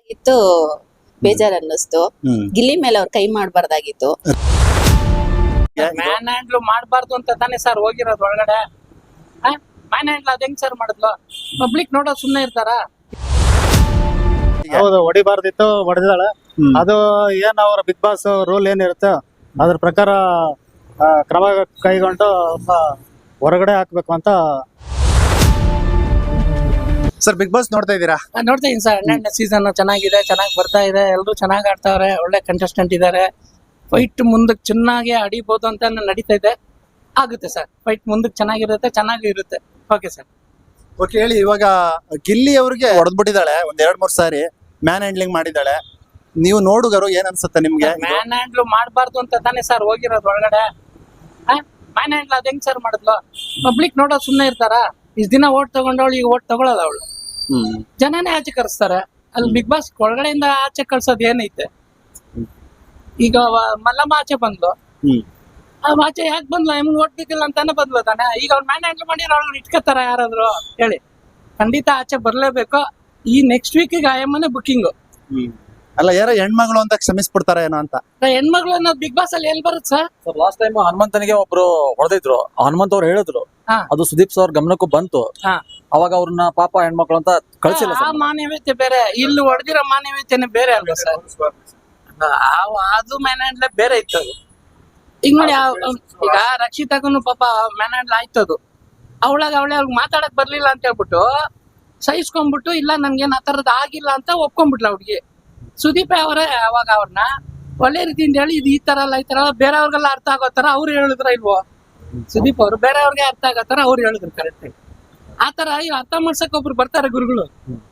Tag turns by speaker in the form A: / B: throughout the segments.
A: ಇತ್ತು ಬೇಜಾರ್ ಅನ್ನಿಸ್ತು. ಗಿಲ್ಲಿ ಮೇಲೆ ಅವ್ರ ಕೈ ಮಾಡಬಾರ್ದಾಗಿತ್ತು.
B: ಮ್ಯಾನ್ ಹ್ಯಾಂಡ್ಲ್ ಮಾಡಬಾರ್ದು ಅಂತ ತಾನೇ ಸರ್ ಹೋಗಿರೋದು ಒಳಗಡೆ. ಮ್ಯಾನ್ ಹ್ಯಾಂಡ್ಲ್ ಅದ್ ಹೆಂಗ್ ಸರ್ ಮಾಡಿದ್ಲು? ಪಬ್ಲಿಕ್ ನೋಡೋದು ಸುಮ್ನೆ ಇರ್ತಾರ?
C: ಹೌದು, ಹೊಡಿಬಾರ್ದಿತ್ತು, ಹೊಡೆದಿದ್ದಾಳೆ. ಅದು ಏನ್ ಅವ್ರ ಬಿಗ್ ಬಾಸ್ ರೂಲ್ ಏನಿರುತ್ತೆ ಅದ್ರ ಪ್ರಕಾರ ಕ್ರಮ ಕೈಗೊಂಡು ಹೊರಗಡೆ ಹಾಕ್ಬೇಕು ಅಂತ.
D: ಸರ್ ಬಿಗ್ ಬಾಸ್ ನೋಡ್ತಾ ಇದ್ದೀರಾ?
B: ನೋಡ್ತಾ ಇದೀನಿ ಸರ್. 12ನೇ ಸೀಸನ್ ಚೆನ್ನಾಗಿದೆ, ಚೆನ್ನಾಗಿ ಬರ್ತಾ ಇದೆ, ಎಲ್ಲರೂ ಚೆನ್ನಾಗಿ ಆಡ್ತಾವ್ರೆ, ಒಳ್ಳೆ ಕಂಟೆಸ್ಟೆಂಟ್ ಇದಾರೆ. ಫೈಟ್ ಮುಂದಕ್ಕೆ ಚೆನ್ನಾಗಿ ಅಡಿಬಹುದು ಅಂತ ನಡೀತಾ ಇದೆ. ಆಗುತ್ತೆ ಸರ್, ಫೈಟ್ ಮುಂದಕ್ಕೆ ಚೆನ್ನಾಗಿರುತ್ತೆ, ಚೆನ್ನಾಗಿರುತ್ತೆ. Okay sir.
D: ಓಕೆ, ಹೇಳಿ. ಇವಾಗ ಗಿಲ್ಲಿ ಅವ್ರಿಗೆ ಹೊಡೆದ್ಬಿಟ್ಟಿದ್ದಾಳೆ ಒಂದ್ 2-3 ಸಾರಿ, ಮ್ಯಾನ್ ಹ್ಯಾಂಡ್ಲಿಂಗ್ ಮಾಡಿದ್ದಾಳೆ. ನೀವು ನೋಡುಗರು ಏನ್ ಅನ್ಸುತ್ತೆ ನಿಮ್ಗೆ?
B: ಮ್ಯಾನ್ ಹ್ಯಾಂಡ್ಲ್ ಮಾಡಬಾರ್ದು ಅಂತ ತಾನೇ ಸರ್ ಹೋಗಿರೋದು ಒಳಗಡೆ. ಮ್ಯಾನ್ ಹ್ಯಾಂಡ್ಲ್ ಅದ್ ಹೆಂಗ್ ಸರ್ ಮಾಡಿದ್ಲು? ಪಬ್ಲಿಕ್ ನೋಡೋದು ಸುಮ್ನೆ ಇರ್ತಾರ? ಇಷ್ಟ ದಿನ ಓಟ್ ತಗೊಂಡವಳು ಈಗ ಓಟ್ ತಗೊಳಲ್ಲ ಅವಳು. ಜನನೇ ಆಚೆ ಕರೆಸ್ತಾರೆ. ಅಲ್ಲಿ ಬಿಗ್ ಬಾಸ್ ಒಳಗಡೆಯಿಂದ ಆಚೆ ಕಳ್ಸೋದ್ ಏನೈತೆ? ಈಗ ಮಲ್ಲಮ್ಮ ಆಚೆ ಬಂದ್ಲು, ಆಚೆ ಯಾಕೆ ಬಂದ್ಲು? ಎಮ್ಗೆ ಓಟ್ ಬೇಕಿಲ್ಲ ಅಂತಾನೆ ಬಂದ್ಲು ತಾನೆ. ಈಗ ಅವ್ರು ಮ್ಯಾನ್ ಹ್ಯಾಂಡ್ಲ್ ಮಾಡಿ ಅವ್ಳು ಇಟ್ಕೋತಾರ ಯಾರಾದ್ರು ಹೇಳಿ? ಖಂಡಿತ ಆಚೆ ಬರ್ಲೇಬೇಕು. ಈ ನೆಕ್ಸ್ಟ್ ವೀಕಿಗೆ ಆಯಮ್ಮನೆ ಬುಕ್ಕಿಂಗ್.
D: ಅಲ್ಲ, ಯಾರೋ ಹೆಣ್ಮಗಳು ಅಂತ ಕ್ಷಮಿಸ್ಬಿಡ್ತಾರ ಏನೋ ಅಂತ.
B: ಹೆಣ್ಮಗಳು ಅನ್ನೋದು ಬಿಗ್ ಬಾಸ್ ಅಲ್ಲಿ ಎಲ್ಲಿ ಬರುತ್ತೆ ಸರ್?
E: ಸರ್ ಲಾಸ್ಟ್ ಟೈಮ್ ಹನುಮಂತನಿಗೆ ಒಬ್ರು ಹೊಡೆದಿದ್ರು. ಹನುಮಂತ್ ಅವ್ರು ಹೇಳಿದ್ರು, ಅದು ಸುದೀಪ್ ಸರ್ ಗಮನಕ್ಕೂ ಬಂತು. ಅವಾಗ ಅವ್ರನ್ನ ಪಾಪ ಹೆಣ್ಮಕ್ಳು ಅಂತ ಕಳ್ಸಿಲ್ಲ
B: ಆ ಮಾನವೀಯತೆ ಬೇರೆ, ಇಲ್ಲಿ ಹೊಡೆದಿರೋ ಮಾನವೀಯತೆನೆ ಬೇರೆ ಅಲ್ವಾ ಸರ್? ಅದು ಮ್ಯಾನ್ ಹ್ಯಾಂಡ್ಲೆ ಬೇರೆ ಇತ್ತು. ಅದು ಈಗ ನೋಡಿ, ಈಗ ರಕ್ಷಿತಾಗನು ಪಾಪ ಮ್ಯಾನ್ ಹ್ಯಾಂಡ್ಲ್ ಆಯ್ತದು. ಅವಳಾಗ ಅವ್ಳಿಗೆ ಮಾತಾಡಕ್ ಬರ್ಲಿಲ್ಲ ಅಂತ ಹೇಳ್ಬಿಟ್ಟು ಸಹಿಸ್ಕೊಂಡ್ಬಿಟ್ಟು, ಇಲ್ಲ ನನ್ಗೇನ್ ಆ ತರದ್ ಆಗಿಲ್ಲ ಅಂತ ಒಪ್ಕೊಂಡ್ಬಿಟ್ಲ ಹುಡ್ಗಿ. ಸುದೀಪ್ ಅವರೇ ಅವಾಗ ಅವ್ರನ್ನ ಒಳ್ಳೆ ರೀತಿಯಿಂದ ಹೇಳಿ, ಇದು ಈ ತರ ಅಲ್ಲ, ಈ ತರ ಬೇರೆಯವ್ರಿಗೆಲ್ಲ ಅರ್ಥ ಆಗೋ ತರ ಅವ್ರು ಹೇಳಿದ್ರ ಇಲ್ವೋ? ಸುದೀಪ್ ಅವರು ಬೇರೆಯವ್ರಿಗೆ ಅರ್ಥ ಆಗೋ ತರ ಅವ್ರು ಹೇಳಿದ್ರು ಕರೆಕ್ಟ್ ಆಗಿ. ಆತರ ಅರ್ಥ ಮಾಡ್ಸಕ್ ಒಬ್ರು ಬರ್ತಾರೆ ಗುರುಗಳು.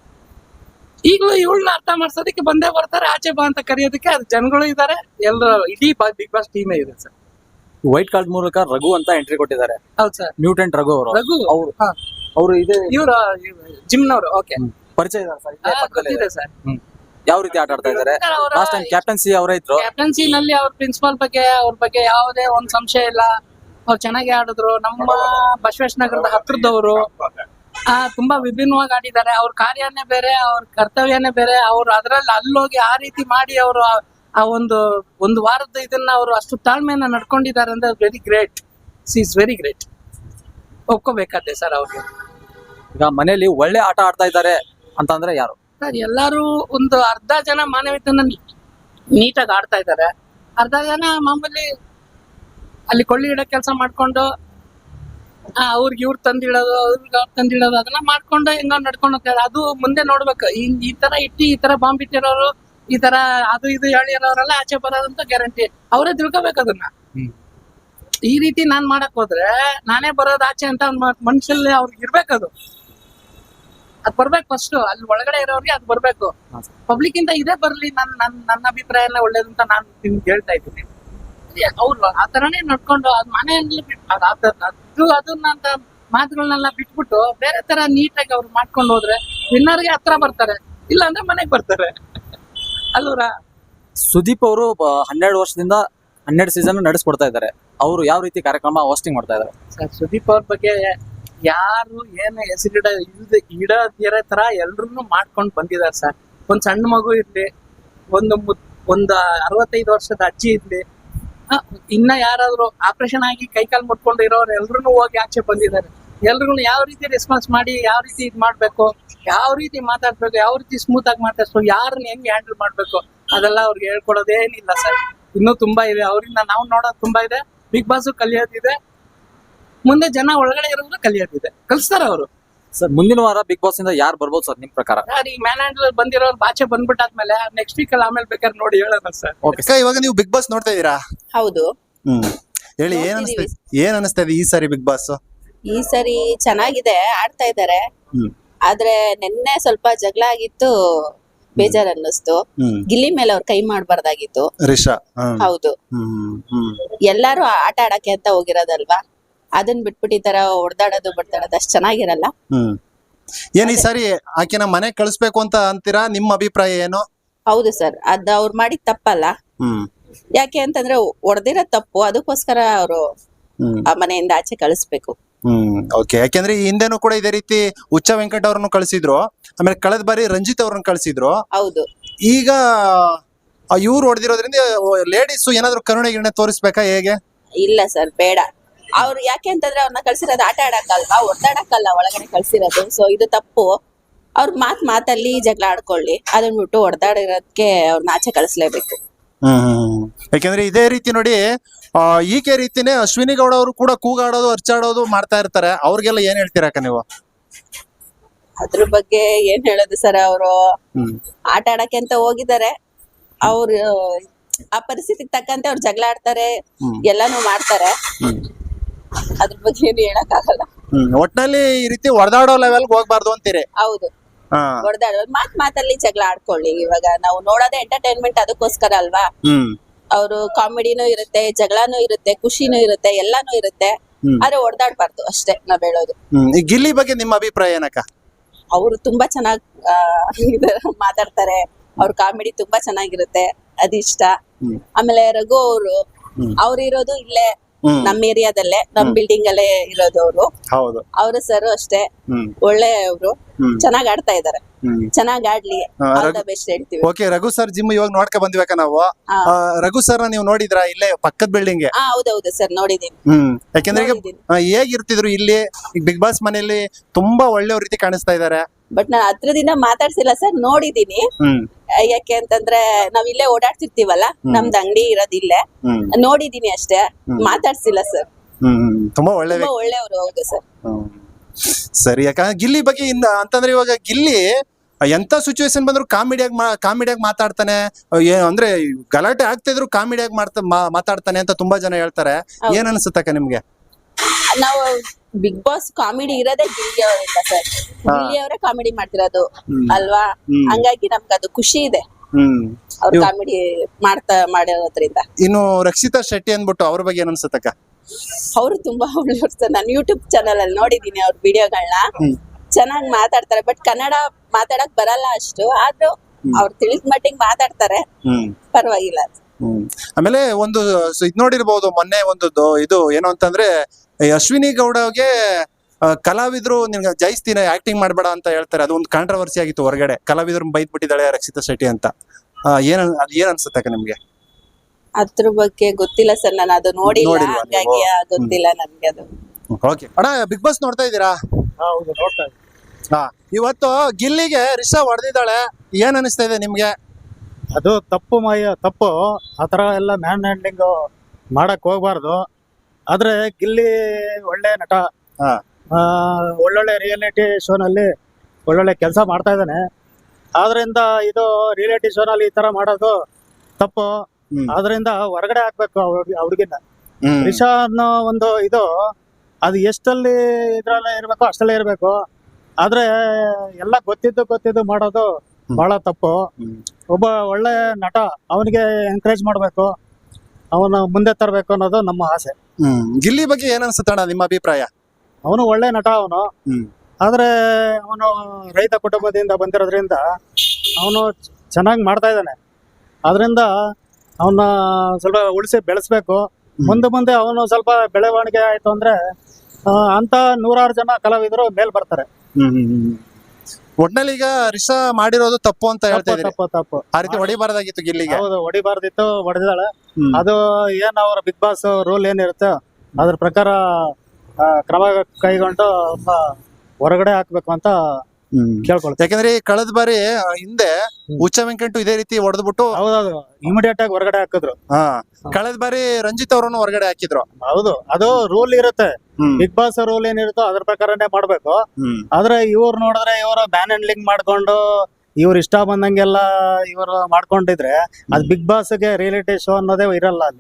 B: ಈಗಲೂ ಇವಳನ್ನ ಅರ್ಥ ಮಾಡ್ಸೋದಕ್ಕೆ ಬಂದೇ ಬರ್ತಾರೆ, ಆಚೆ ಬಾ ಅಂತ ಕರೆಯೋದಕ್ಕೆ. ಅದು ಜನಗಳು ಇದಾರೆ, ಎಲ್ಲರೂ ಇಡೀ ಬಿಗ್ ಬಾಸ್ ಟೀಮೇ ಇದೆ ಸರ್.
E: ವೈಟ್ ಕಾರ್ಡ್ ಮೂಲಕ ರಘು ಅಂತ ಎಂಟ್ರಿ ಕೊಟ್ಟಿದ್ದಾರೆ.
B: ಹೌದು ಸರ್,
E: ಮ್ಯೂಟೆಂಟ್ ರಘು ಅವರು.
B: ರಘು
E: ಅವರು ಇದೆ
B: ಇವ್ರು ಜಿಮ್ನವ್ರು. ಓಕೆ,
E: ಪರಿಚಯ
B: ಗೊತ್ತಿದೆ ಸರ್.
E: ಯಾವ ರೀತಿ ಆಟ ಆಡ್ತಾ ಇದ್ದಾರೆ? ಲಾಸ್ಟ್ ಟೈಮ್ ಕ್ಯಾಪ್ಟನ್ಸಿ ಅವರೇ ಇದ್ರು.
B: ಕ್ಯಾಪ್ಟನ್ಸಿ ನಲ್ಲಿ ಅವ್ರ ಪ್ರಿನ್ಸಿಪಾಲ್ ಬಗ್ಗೆ, ಅವ್ರ ಬಗ್ಗೆ ಯಾವುದೇ ಒಂದ್ ಸಂಶಯ ಇಲ್ಲ. ಅವ್ರು ಚೆನ್ನಾಗಿ ಆಡಿದ್ರು. ನಮ್ಮ ಬಸವೇಶ್ ನಗರದ ಹತ್ರದವರು ತುಂಬಾ ವಿಭಿನ್ನವಾಗಿ ಆಡಿದ್ದಾರೆ. ಅವ್ರ ಕಾರ್ಯನೇ ಬೇರೆ, ಅವ್ರ ಕರ್ತವ್ಯನೇ ಬೇರೆ. ಅವ್ರು ಅದ್ರಲ್ಲಿ ಅಲ್ಲೋಗಿ ಆ ರೀತಿ ಮಾಡಿ ಅವರು ಆ ಒಂದು ವಾರದ ಇದನ್ನ ಅವರು ಅಷ್ಟು ತಾಳ್ಮೆಯನ್ನ ನಡ್ಕೊಂಡಿದ್ದಾರೆ ಅಂದ್ರೆ very great. Is very great. ಒಪ್ಕೋಬೇಕಾದೆ ಸರ್ ಅವ್ರಿಗೆ.
E: ಈಗ ಮನೆಯಲ್ಲಿ ಒಳ್ಳೆ ಆಟ ಆಡ್ತಾ ಇದ್ದಾರೆ ಅಂತಂದ್ರೆ ಯಾರು
B: ಸರ್? ಎಲ್ಲಾರು ಒಂದು ಅರ್ಧ ಜನ ಮಾನವೀಯತೆಯನ್ನ ನೀಟಾಗಿ ಆಡ್ತಾ ಇದ್ದಾರೆ, ಅರ್ಧ ಜನ ಮಾಮೂಲಿ ಅಲ್ಲಿ ಕೊಳ್ಳಿ ಇಡೋ ಕೆಲಸ ಮಾಡ್ಕೊಂಡು ಅವ್ರಿಗೆ ಇವ್ರು ತಂದಿಡೋದು, ಅವ್ರಿಗೆ ಅವ್ರು ತಂದಿಡೋದು, ಅದನ್ನ ಮಾಡ್ಕೊಂಡು ಹೆಂಗ ನಡ್ಕೊಂಡು ಹೋಗ್ತಾರೆ. ಅದು ಮುಂದೆ ನೋಡ್ಬೇಕು. ಈ ತರ ಇಟ್ಟು ಈ ತರ ಬಾಂಬ್ ಇಟ್ಟಿರೋರು, ಈ ತರ ಅದು ಇದು ಹೇಳಿರೋರೆಲ್ಲ ಆಚೆ ಬರೋದಂತ ಗ್ಯಾರಂಟಿ. ಅವರೇ ತಿಳ್ಕೊಬೇಕು ಅದನ್ನ. ಈ ರೀತಿ ನಾನ್ ಮಾಡಕ್ ಹೋದ್ರೆ ನಾನೇ ಬರೋದು ಆಚೆ ಅಂತ ಮನುಷ್ಯಲ್ಲಿ ಅವ್ರಿಗೆ ಇರ್ಬೇಕದು. ಅದ್ ಬರ್ಬೇಕು ಫಸ್ಟ್. ಅಲ್ಲಿ ಒಳಗಡೆ ಇರೋರಿಗೆ ಅದ್ ಬರ್ಬೇಕು. ಪಬ್ಲಿಕ್ ಇಂದ ಇದೇ ಬರ್ಲಿ. ನನ್ನ ಅಭಿಪ್ರಾಯನ ಒಳ್ಳೇದು ಅಂತ ನಾನು ನಿಮ್ಗೆ ಹೇಳ್ತಾ ಇದ್ದೀನಿ. ಅವ್ರು ಆ ತರನೇ ನಡ್ಕೊಂಡು ಅದ್ ಮನೆಯಲ್ಲಿ ಅದನ್ನ ಅಂತ ಮಾತುಗಳನ್ನೆಲ್ಲ ಬಿಟ್ಬಿಟ್ಟು ಬೇರೆ ತರ ನೀಟಾಗಿ ಅವ್ರು ಮಾಡ್ಕೊಂಡು ಹೋದ್ರೆ ವಿನ್ನರ್ಗೆ ಹತ್ರ ಬರ್ತಾರೆ, ಇಲ್ಲ ಅಂದ್ರೆ ಮನೆಗ್ ಬರ್ತಾರೆ ಅಲ್ವರ?
E: ಸುದೀಪ್ ಅವರು 12 ವರ್ಷದಿಂದ 12 ಸೀಸನ್ ನಡೆಸ್ಕೊಡ್ತಾ ಇದ್ದಾರೆ. ಅವರು ಯಾವ ರೀತಿ ಕಾರ್ಯಕ್ರಮ ಹೋಸ್ಟಿಂಗ್ ಮಾಡ್ತಾ ಇದ್ದಾರೆ
B: ಸರ್? ಸುದೀಪ್ ಅವ್ರ ಬಗ್ಗೆ ಯಾರು ಏನು ಇಡದಿರೋ ತರ ಎಲ್ರು ಮಾಡ್ಕೊಂಡು ಬಂದಿದ್ದಾರೆ ಸರ್. ಒಂದ್ ಸಣ್ಣ ಮಗು ಇರ್ಲಿ, ಒಂದು 65 ವರ್ಷದ ಅಜ್ಜಿ ಇರ್ಲಿ, ಇನ್ನ ಯಾರಾದ್ರೂ ಆಪರೇಷನ್ ಆಗಿ ಕೈಕಾಲು ಮುಟ್ಕೊಂಡು ಇರೋರು ಎಲ್ರು ಹೋಗಿ ಆಚೆ ಬಂದಿದ್ದಾರೆ. ಎಲ್ರಿಗೂ ಯಾವ ರೀತಿ ರೆಸ್ಪಾನ್ಸ್ ಮಾಡಿ, ಯಾವ ರೀತಿ ಇದ್ ಮಾಡ್ಬೇಕು, ಯಾವ ರೀತಿ ಮಾತಾಡ್ಬೇಕು, ಯಾವ ರೀತಿ ಸ್ಮೂತ್ ಆಗಿ ಮಾತಾಡ್ಬೇಕು, ಯಾರನ್ನ ಹೆಂಗ್ ಹ್ಯಾಂಡಲ್ ಮಾಡ್ಬೇಕು, ಅದೆಲ್ಲ ಅವ್ರಿಗೆ ಹೇಳ್ಕೊಡೋದೇನಿಲ್ಲ ಸರ್. ಇನ್ನೂ ತುಂಬಾ ಇದೆ ಅವರಿಂದ ನಾವು ನೋಡೋದು ತುಂಬಾ ಇದೆ. ಬಿಗ್ ಬಾಸ್ ಕಲಿಯೋದಿದೆ, ಮುಂದೆ ಜನ ಒಳಗಡೆ ಇರೋರು ಕಲಿಯೋದಿದೆ, ಕಲಿಸ್ತಾರ ಅವರು.
E: ಸರ್ ಮುಂದಿನ ವಾರ ಬಿಗ್ ಬಾಸ್ ಇಂದ ಯಾರು ಬರ್ಬೋದು ಸರ್ ನಿಮ್ ಪ್ರಕಾರ?
B: ಸರ್, ಈ ಮ್ಯಾನ್ ಹ್ಯಾಂಡಲ್ ಬಂದಿರೋರು ಆಚೆ ಬಂದ್ಬಿಟ್ಟಾದ್ಮೇಲೆ ನೆಕ್ಸ್ಟ್ ವೀಕ್ ಅಲ್ಲಿ ಆಮೇಲೆ ಬೇಕಾದ್ರೆ ನೋಡಿ ಹೇಳೋಣ ಸರ್.
D: ಓಕೆ, ಇವಾಗ ನೀವು ಬಿಗ್ ಬಾಸ್ ನೋಡ್ತಾ ಇದ್ದೀರಾ?
A: ಹೌದು,
D: ಹೇಳಿ, ಏನ್ ಅನಿಸ್ತಾ ಇದೆ ಈ ಸಾರಿ ಬಿಗ್ ಬಾಸ್?
A: ಈ ಸರಿ ಚೆನ್ನಾಗಿದೆ, ಆಡ್ತಾ ಇದ್ದಾರೆ. ಆದ್ರೆ ನಿನ್ನೆ ಸ್ವಲ್ಪ ಜಗಳ ಆಗಿತ್ತು, ಬೇಜಾರ್ ಅನ್ನಿಸ್ತು. ಗಿಲ್ಲಿ ಮೇಲೆ ಅವ್ರ ಕೈ ಮಾಡಬಾರ್ದಾಗಿತ್ತು.
D: ರಿಷಾ,
A: ಹೌದು, ಎಲ್ಲಾರು ಆಟ ಆಡಕ್ಕೆ ಅಂತ ಹೋಗಿರೋದಲ್ವಾ, ಅದನ್ನ ಬಿಟ್ಬಿಟ್ಟು ಈ ತರ ಹೊಡ್ದಾಡೋದು ಬಡ್ದಾಡೋದು ಅಷ್ಟ್ ಚೆನ್ನಾಗಿರಲ್ಲ.
D: ಏನ್ ಈ ಸಾರಿ ಆಕೆನ ಮನೆ ಕಳಿಸ್ಬೇಕು ಅಂತ ಅಂತೀರಾ? ನಿಮ್ಮ ಅಭಿಪ್ರಾಯ ಏನು?
A: ಹೌದು ಸರ್, ಅದ್ ಅವ್ರು ಮಾಡಿದ ತಪ್ಪಲ್ಲ. ಯಾಕೆ ಅಂತಂದ್ರೆ ಹೊಡೆದಿರೋ ತಪ್ಪು, ಅದಕ್ಕೋಸ್ಕರ ಅವರು ಆ ಮನೆಯಿಂದ ಆಚೆ ಕಳಿಸ್ಬೇಕು.
D: ಓಕೆ, ಯಾಕೆಂದ್ರೆ ಈ ಹಿಂದೆನೂ ಕೂಡ ಇದೇ ರೀತಿ ಹುಚ್ಚ ವೆಂಕಟ್ ಅವ್ರನ್ನು ಕಳಿಸಿದ್ರು, ಆಮೇಲೆ ಕಳೆದ ಬಾರಿ ರಂಜಿತ್ ಅವ್ರನ್ನ ಕಳಿಸಿದ್ರು.
A: ಹೌದು,
D: ಈಗ ಇವ್ರು ಹೊಡೆದಿರೋದ್ರಿಂದ ಲೇಡೀಸ್ ಏನಾದ್ರು ಕರುಣೆ ಗಿರಣೆ ತೋರಿಸ್ಬೇಕಾ ಹೇಗೆ?
A: ಇಲ್ಲ ಸರ್ ಬೇಡ. ಅವ್ರು ಯಾಕೆ ಅಂತಂದ್ರೆ ಅವ್ರನ್ನ ಕಳ್ಸಿರೋದು ಆಟ ಆಡಕ್ಕಲ್ವಾ, ಒದ್ದಾಡಕ್ಕಲ್ಲ ಒಳಗಡೆ ಕಳ್ಸಿರೋದು. ಸೊ ಇದು ತಪ್ಪು. ಅವ್ರ ಮಾತಲ್ಲಿ ಜಗಳ ಆಡ್ಕೊಳ್ಳಿ, ಅದನ್ನ ಬಿಟ್ಟು ಹೊಡೆದಾಡಿರೋದಕ್ಕೆ ಅವ್ರನ್ನ ಆಚೆ ಕಳಿಸ್ಲೇಬೇಕು.
D: ಯಾಕೆಂದ್ರೆ ಇದೇ ರೀತಿ ನೋಡಿ ಈಕೆ ರೀತಿನೇ ಅಶ್ವಿನಿ ಗೌಡ ಅವರು ಕೂಡ ಕೂಗಾಡೋದು ಅರ್ಚಾಡೋದು ಮಾಡ್ತಾ ಇರ್ತಾರೆ. ಅವ್ರಿಗೆಲ್ಲ ಏನ್ ಹೇಳ್ತೀರಕ್ಕ ನೀವು?
A: ಅದ್ರ ಬಗ್ಗೆ ಏನ್ ಹೇಳೋದು ಸರ್, ಅವರು ಆಟ ಆಡಕ್ಕೆ ಅಂತ ಹೋಗಿದ್ದಾರೆ. ಅವ್ರು ಆ ಪರಿಸ್ಥಿತಿಗೆ ತಕ್ಕಂತೆ ಅವ್ರು ಜಗಳ ಆಡ್ತಾರೆ, ಎಲ್ಲಾನು ಮಾಡ್ತಾರೆ. ಅದ್ರ ಬಗ್ಗೆ ಏನು ಹೇಳಕ್ ಆಗಲ್ಲ.
D: ಒಟ್ನಲ್ಲಿ ಈ ರೀತಿ ಹೊಡೆದಾಡೋ ಲೆವೆಲ್ ಹೋಗ್ಬಾರ್ದು ಅಂತೀರಿ?
A: ಹೌದು, ಹೊಡೆದಾಡೋ ಮಾತಲ್ಲಿ ಜಗಳ ಆಡ್ಕೊಳ್ಳಿ. ಇವಾಗ ನಾವು ನೋಡೋದೇ ಎಂಟರ್ಟೈನ್ಮೆಂಟ್, ಅದಕ್ಕೋಸ್ಕರ ಅಲ್ವಾ. ಅವರು ಕಾಮಿಡಿನೂ ಇರುತ್ತೆ, ಜಗಳನೂ ಇರುತ್ತೆ, ಖುಷಿನೂ ಇರುತ್ತೆ, ಎಲ್ಲಾನು ಇರುತ್ತೆ. ಆದ್ರೆ ಹೊಡೆದಾಡ್ಬಾರ್ದು ಅಷ್ಟೇ ನಾವ್ ಹೇಳೋದು.
D: ಈ ಗಿಲ್ಲಿ ಬಗ್ಗೆ ನಿಮ್ಮ ಅಭಿಪ್ರಾಯ ಏನಕ್ಕ?
A: ಅವರು ತುಂಬಾ ಚೆನ್ನಾಗ್ ಮಾತಾಡ್ತಾರೆ. ಅವ್ರ ಕಾಮಿಡಿ ತುಂಬಾ ಚೆನ್ನಾಗಿರುತ್ತೆ, ಅದಿಷ್ಟ. ಆಮೇಲೆ ರಘು ಅವ್ರು ಇರೋದು ಇಲ್ಲೇ ನಮ್ ಏರಿಯಾದಲ್ಲೇ, ನಮ್ ಬಿಲ್ಡಿಂಗ್ ಅಲ್ಲೇ ಇರೋದು ಅವರು.
D: ಹೌದು,
A: ಅವರು ಸರ್ ಅಷ್ಟೇ ಒಳ್ಳೆ ಅವರು, ಚೆನ್ನಾಗ್ ಆಡ್ತಾ ಇದಾರೆ. ಚೆನ್ನಾಗ್ ಆಡ್ಲಿ, ಬೆಸ್ಟ್ ಹೇಳ್ತೀವಿ.
D: ಓಕೆ, ರಘು ಸರ್ ಜಿಮ್ ಇವಾಗ ನೋಡ್ಕೊ ಬಂದ್ಬೇಕ ನಾವು. ರಘು ಸರ್ ನೀವು ನೋಡಿದ್ರಾ ಇಲ್ಲೇ ಪಕ್ಕದ ಬಿಲ್ಡಿಂಗ್?
A: ಹೌದೌದು ಸರ್, ನೋಡಿದೀನಿ.
D: ಯಾಕೆಂದ್ರೆ ಈಗ ಹೇಗಿರ್ತಿದ್ರು ಇಲ್ಲಿ ಬಿಗ್ ಬಾಸ್ ಮನೆಯಲ್ಲಿ ತುಂಬಾ ಒಳ್ಳೆ ರೀತಿ ಕಾಣಿಸ್ತಾ ಇದಾರೆ.
A: ಬಟ್ ನಾನು ಹತ್ರದಿಂದ ಮಾತಾಡ್ಸಿಲ್ಲ ಸರ್, ನೋಡಿದೀನಿ. ಯಾಕೆ ಅಂತಂದ್ರೆ ನಾವ್ ಇಲ್ಲೇ ಓಡಾಡ್ತಿರ್ತೀವಲ್ಲ, ನಮ್ದು ಅಂಗಡಿ ಇರೋದ್ ಇಲ್ಲೇ, ನೋಡಿದೀನಿ ಅಷ್ಟೇ, ಮಾತಾಡ್ಸಿಲ್ಲ ಸರ್.
D: ತುಂಬಾ
A: ಒಳ್ಳೆಯವರು. ಹೌದು ಸರ್.
D: ಸರಿ, ಯಾಕಂದ್ರೆ ಗಿಲ್ಲಿ ಬಗ್ಗೆ ಅಂತಂದ್ರೆ ಇವಾಗ ಗಿಲ್ಲಿ ಎಂತ ಸಿಚುವೇಶನ್ ಬಂದ್ರು ಕಾಮಿಡಿಯಾಗಿ ಮಾತಾಡ್ತಾನೆ. ಅಂದ್ರೆ ಗಲಾಟೆ ಆಗ್ತಾ ಇದ್ರು ಕಾಮಿಡಿಯಾಗಿ ಮಾತಾಡ್ತಾನೆ ಅಂತ ತುಂಬಾ ಜನ ಹೇಳ್ತಾರೆ. ಏನ್ ಅನ್ಸುತ್ತಕ್ಕ ನಿಮ್ಗೆ?
A: ನಾವು ಬಿಗ್ ಬಾಸ್ ಕಾಮಿಡಿ ಇರೋದೇ ಗಿಲ್ಲಿ ಅವರಿಂದ ಸರ್. ಗಿಲ್ಲಿ ಅವರೇ ಕಾಮಿಡಿ ಮಾಡ್ತಿರೋದು ಅಲ್ವಾ, ಹಂಗಾಗಿ ನಮ್ಗೆ ಅದು ಖುಷಿ ಇದೆ ಅವ್ರ ಕಾಮಿಡಿ ಮಾಡಿರೋದ್ರಿಂದ.
D: ಇನ್ನು ರಕ್ಷಿತಾ ಶೆಟ್ಟಿ ಅಂದ್ಬಿಟ್ಟು ಅವ್ರ ಬಗ್ಗೆ ಏನ್ ಅನ್ಸುತ್ತಕ್ಕ?
A: ಅವರು ತುಂಬಾ ಒಳ್ಳೆಯವ್ರು ಸರ್. ನಾನು ಯೂಟ್ಯೂಬ್ ಚಾನಲ್ ಅಲ್ಲಿ ನೋಡಿದೀನಿ ಅವ್ರ ವಿಡಿಯೋಗಳನ್ನ. ಚೆನ್ನಾಗಿ ಮಾತಾಡ್ತಾರೆ, ಬಟ್ ಕನ್ನಡ ಮಾತಾಡಕ್ ಬರಲ್ಲ ಅಷ್ಟು. ಆದ್ರೂ ಅವ್ರು ತಿಳಿದ ಮಟ್ಟಿಗೆ ಮಾತಾಡ್ತಾರೆ, ಪರವಾಗಿಲ್ಲ.
D: ಆಮೇಲೆ ಒಂದು ಇದ್ ನೋಡಿರ್ಬಹುದು, ಮೊನ್ನೆ ಒಂದು ಇದು ಏನು ಅಂತಂದ್ರೆ ಅಶ್ವಿನಿ ಗೌಡಗೆ ಕಲಾವಿದ್ರು ನಿನ್ಗೆ ಜಯಿಸ್ತೀನಿ ಆಕ್ಟಿಂಗ್ ಮಾಡ್ಬೇಡ ಅಂತ ಹೇಳ್ತಾರೆ. ಅದು ಒಂದು ಕಾಂಟ್ರವರ್ಸಿ ಆಗಿತ್ತು ಹೊರಗಡೆ. ಕಲಾವಿದ್ರು ಬೈದ್ ಬಿಟ್ಟಿದ್ದಾಳೆ ರಕ್ಷಿತಾ ಶೆಟ್ಟಿ ಅಂತ. ಏನ್ ಅನ್ಸುತ್ತಕ್ಕ ನಿಮ್ಗೆ?
A: ಅದ್ರ ಬಗ್ಗೆ ಗೊತ್ತಿಲ್ಲ ಸರ್, ನಾನು ಅದು ನೋಡಿಲ್ಲ, ಹಾಗಾಗಿ ಗೊತ್ತಿಲ್ಲ ನನ್ಗೆ ಅದು.
D: ಓಕೆ ಅಣ್ಣ, ಬಿಗ್ ಬಾಸ್ ನೋಡ್ತಾ ಇದ್ದೀರಾ?
C: ಹೌದು, ನೋಡ್ತಾ ಇದ್ದೀನಿ.
D: ಇವತ್ತು ಗಿಲ್ಲಿಗೆ ರಿಷಾ ಹೊಡೆದಿದ್ದಾಳೆ, ಏನ್ ಅನಿಸ್ತಾ ಇದೆ ನಿಮ್ಗೆ?
C: ಅದು ತಪ್ಪು. ಆತರ ಎಲ್ಲ ಮ್ಯಾನ್ ಹ್ಯಾಂಡ್ಲಿಂಗ್ ಮಾಡಕ್ ಹೋಗ್ಬಾರ್ದು. ಆದ್ರೆ ಗಿಲ್ಲಿ ಒಳ್ಳೆ ನಟ, ಒಳ್ಳೊಳ್ಳೆ ರಿಯಾಲಿಟಿ ಶೋನಲ್ಲಿ ಒಳ್ಳೊಳ್ಳೆ ಕೆಲಸ ಮಾಡ್ತಾ ಇದ್ದಾನೆ. ಆದ್ರಿಂದ ಇದು ರಿಯಾಲಿಟಿ ಶೋನಲ್ಲಿ ಈ ತರ ಮಾಡೋದು ತಪ್ಪು. ಆದ್ರಿಂದ ಹೊರಗಡೆ ಹಾಕ್ಬೇಕು ಹುಡುಗಿನ. ರಿಷಾ ಅನ್ನೋ ಒಂದು ಇದು, ಅದು ಎಷ್ಟಲ್ಲಿ ಇದ್ರಲ್ಲೇ ಇರ್ಬೇಕು ಅಷ್ಟಲ್ಲೇ ಇರ್ಬೇಕು. ಆದ್ರೆ ಎಲ್ಲ ಗೊತ್ತಿದ್ದು ಮಾಡೋದು ಬಹಳ ತಪ್ಪು. ಒಬ್ಬ ಒಳ್ಳೆ ನಟ, ಅವನಿಗೆ ಎಂಕರೇಜ್ ಮಾಡ್ಬೇಕು, ಅವನ ಮುಂದೆ ತರಬೇಕು ಅನ್ನೋದು ನಮ್ಮ ಆಸೆ.
D: ಗಿಲ್ಲಿ ಬಗ್ಗೆ ಏನ್ ಅನ್ಸುತ್ತಣ್ಣ ನಿಮ್ಮ ಅಭಿಪ್ರಾಯ?
C: ಅವನು ಒಳ್ಳೆ ನಟ ಅವನು. ಆದ್ರೆ ಅವನು ರೈತ ಕುಟುಂಬದಿಂದ ಬಂದಿರೋದ್ರಿಂದ ಅವನು ಚೆನ್ನಾಗಿ ಮಾಡ್ತಾ ಇದ್ದಾನೆ. ಆದ್ರಿಂದ ಅವನ್ನ ಸ್ವಲ್ಪ ಉಳಿಸಿ ಬೆಳೆಸ್ಬೇಕು. ಮುಂದೆ ಅವನು ಸ್ವಲ್ಪ ಬೆಳವಣಿಗೆ ಆಯ್ತು ಅಂದ್ರೆ ಅಂತ 100 ಜನ ಕಲಾವಿದರು ಮೇಲ್ ಬರ್ತಾರೆ.
D: ಒಟ್ನಲ್ಲಿ ಈಗ ರಿಷಾ ಮಾಡಿರೋದು ತಪ್ಪು ಅಂತ ಹೇಳ್ತಾ ಇದ್ದೀರಿ?
C: ತಪ್ಪು.
D: ಆ ರೀತಿ ಹೊಡಿಬಾರ್ದಾಗಿತ್ತು ಗಿಲ್ಲಿಗೆ.
C: ಹೌದು, ಹೊಡಿಬಾರ್ದಿತ್ತು, ಹೊಡೆದಿದ್ದಾಳೆ. ಅದು ಏನ್ ಅವ್ರ ಬಿಗ್ ಬಾಸ್ ರೂಲ್ ಏನಿರುತ್ತೆ ಅದ್ರ ಪ್ರಕಾರ ಕ್ರಮ ಕೈಗೊಂಡು ಹೊರಗಡೆ ಹಾಕ್ಬೇಕು ಅಂತ ಕೇಳ್ಕೊಳ್ತಾರೆ.
D: ಯಾಕಂದ್ರೆ ಕಳೆದ ಬಾರಿ ಹಿಂದೆ ಹುಚ್ಚ ವೆಂಕಟು ಇದೇ ರೀತಿ ಹೊಡೆದ್ಬಿಟ್ಟು
C: ಹೌದೌದು ಇಮಿಡಿಯೇಟ್ ಆಗಿ ಹೊರಗಡೆ ಹಾಕಿದ್ರು.
D: ಕಳೆದ ಬಾರಿ ರಂಜಿತ್ ಅವರನ್ನು ಹೊರಗಡೆ ಹಾಕಿದ್ರು.
C: ಹೌದು, ಅದು ರೂಲ್ ಇರುತ್ತೆ. ಬಿಗ್ ಬಾಸ್ ರೂಲ್ ಏನಿರುತ್ತೋ ಅದ್ರ ಪ್ರಕಾರನೇ ಮಾಡ್ಬೇಕು. ಆದ್ರೆ ಇವ್ರು ನೋಡಿದ್ರೆ ಇವರು ಬ್ಯಾನ್ ಹ್ಯಾಂಡ್ಲಿಂಗ್ ಮಾಡ್ಕೊಂಡು ಇವ್ರು ಇಷ್ಟ ಬಂದಂಗೆಲ್ಲ ಇವರು ಮಾಡ್ಕೊಂಡಿದ್ರೆ ಅದ್ ಬಿಗ್ ಬಾಸ್ಗೆ ರಿಯಾಲಿಟಿ ಶೋ ಅನ್ನೋದೇ ಇರಲ್ಲ ಅಲ್ಲಿ.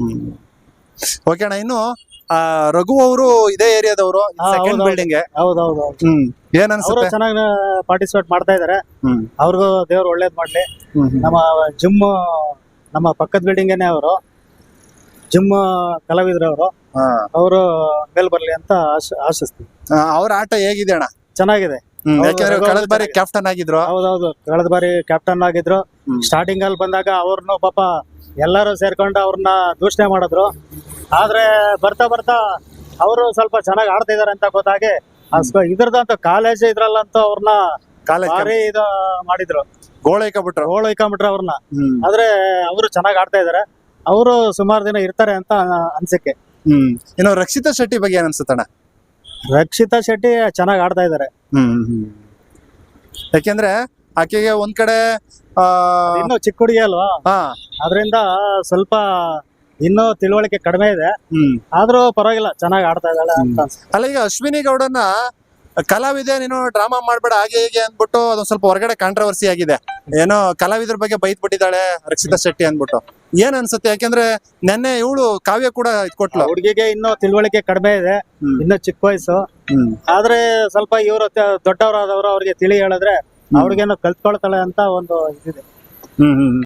D: ಓಕೆ ಅಣ್ಣ, ಇನ್ನು ರಘು ಅವರು ಇದೇ ಏರಿಯಾದವರು, ಸೆಕೆಂಡ್ ಬಿಲ್ಡಿಂಗ್.
C: ಹೌದೌದು,
D: ಏನ್ ಅನ್ಸುತ್ತೆ?
C: ಚೆನ್ನಾಗಿ ಪಾರ್ಟಿಸಿಪೇಟ್ ಮಾಡ್ತಾ ಇದಾರೆ. ಅವ್ರಿಗೂ ದೇವ್ರು ಒಳ್ಳೇದ್ ಮಾಡ್ಲಿ. ನಮ್ಮ ಜಿಮ್ ನಮ್ಮ ಪಕ್ಕದ ಬಿಲ್ಡಿಂಗೇನೆ ಅವರು ಜಿಮ್ ಕಲಾವಿದ್ರು ಅವರು ಮೇಲ್ ಬರ್ಲಿ ಅಂತ ಆಶಿಸ್ತೀವಿ.
D: ಅವ್ರ ಆಟ ಹೇಗಿದೆ ಅಣ್ಣ?
C: ಚೆನ್ನಾಗಿದೆ.
D: ಯಾಕಂದ್ರೆ ಕಳೆದ ಬಾರಿ ಕ್ಯಾಪ್ಟನ್ ಆಗಿದ್ರು.
C: ಹೌದೌದು, ಕಳೆದ ಬಾರಿ ಕ್ಯಾಪ್ಟನ್ ಆಗಿದ್ರು. ಸ್ಟಾರ್ಟಿಂಗ್ ಅಲ್ಲಿ ಬಂದಾಗ ಅವ್ರನ್ನು ಪಾಪ ಎಲ್ಲರೂ ಸೇರ್ಕೊಂಡು ಅವ್ರನ್ನ ದೂಷಣೆ ಮಾಡಿದ್ರು. ಆದ್ರೆ ಬರ್ತಾ ಅವರು ಸ್ವಲ್ಪ ಚೆನ್ನಾಗಿ ಆಡ್ತಾ ಇದಾರೆ ಅಂತ ಗೊತ್ತಾಗಿ ಇದ್ರದಂತ ಕಾಲೇಜ್ ಇದ್ರಲ್ಲಂತೂ ಅವ್ರನ್ನ ಭಾರಿ ಇದು ಮಾಡಿದ್ರು.
D: ಗೋಳೈಕಬಿಟ್ರು.
C: ಗೋಳು ಹೊಯ್ಕೊಂಬಿಟ್ರೆ ಅವ್ರನ್ನ.
D: ಹ್ಮ್
C: ಆದ್ರೆ ಅವರು ಚೆನ್ನಾಗಿ ಆಡ್ತಾ ಇದಾರೆ. ಅವರು ಸುಮಾರು ದಿನ ಇರ್ತಾರೆ ಅಂತ ಅನ್ಸಿಕೆ.
D: ಹ್ಮ್ ಇನ್ನು ರಕ್ಷಿತಾ ಶೆಟ್ಟಿ ಬಗ್ಗೆ ಏನ್ ಅನ್ಸುತ್ತಣ್ಣ?
C: ರಕ್ಷಿತಾ ಶೆಟ್ಟಿ ಚೆನ್ನಾಗಿ ಆಡ್ತಾ ಇದಾರೆ.
D: ಹ್ಮ್ ಯಾಕೆಂದ್ರೆ ಆಕೆಗೆ ಒಂದ್ ಕಡೆ
C: ಇನ್ನು ಚಿಕ್ಕ ಹುಡುಗಿ ಅಲ್ವಾ,
D: ಹಾ
C: ಅದರಿಂದ ಸ್ವಲ್ಪ ಇನ್ನೂ ತಿಳುವಳಿಕೆ ಕಡಿಮೆ ಇದೆ. ಆದ್ರೂ ಪರವಾಗಿಲ್ಲ, ಚೆನ್ನಾಗಿ ಆಡ್ತಾ ಇದ್ದಾಳೆ ಅಂತ ಅನ್ಸುತ್ತೆ.
D: ಅಲ್ಲ ಈಗ ಅಶ್ವಿನಿ ಗೌಡನ ಕಲಾವಿದೆ ನೀನು ಡ್ರಾಮಾ ಮಾಡ್ಬೇಡ ಹಾಗೆ ಹೀಗೆ ಅಂದ್ಬಿಟ್ಟು ಅದೊಂದ್ ಸ್ವಲ್ಪ ಹೊರಗಡೆ ಕಾಂಟ್ರವರ್ಸಿ ಆಗಿದೆ. ಏನೋ ಕಲಾವಿದ್ರ ಬಗ್ಗೆ ಬೈತ್ ಬಿಟ್ಟಿದ್ದಾಳೆ ರಕ್ಷಿತಾ ಶೆಟ್ಟಿ ಅಂದ್ಬಿಟ್ಟು. ಏನ್ ಅನ್ಸುತ್ತೆ? ಯಾಕೆಂದ್ರೆ ನೆನ್ನೆ ಇವಳು ಕಾವ್ಯ ಕೂಡ ಇದ್ಕೊಟ್ಲು.
C: ಹುಡುಗಿಗೆ ಇನ್ನೂ ತಿಳುವಳಿಕೆ ಕಡಿಮೆ ಇದೆ, ಇನ್ನೂ ಚಿಕ್ಕ ವಯಸ್ಸು. ಆದ್ರೆ ಸ್ವಲ್ಪ ಇವರು ದೊಡ್ಡವರಾದವರು ಅವ್ರಿಗೆ ತಿಳಿ ಹೇಳಿದ್ರೆ ಅವ್ರಿಗೇನೋ ಕಲ್ತ್ಕೊಳ್ತಾಳೆ ಅಂತ ಒಂದು ಇದಿದೆ.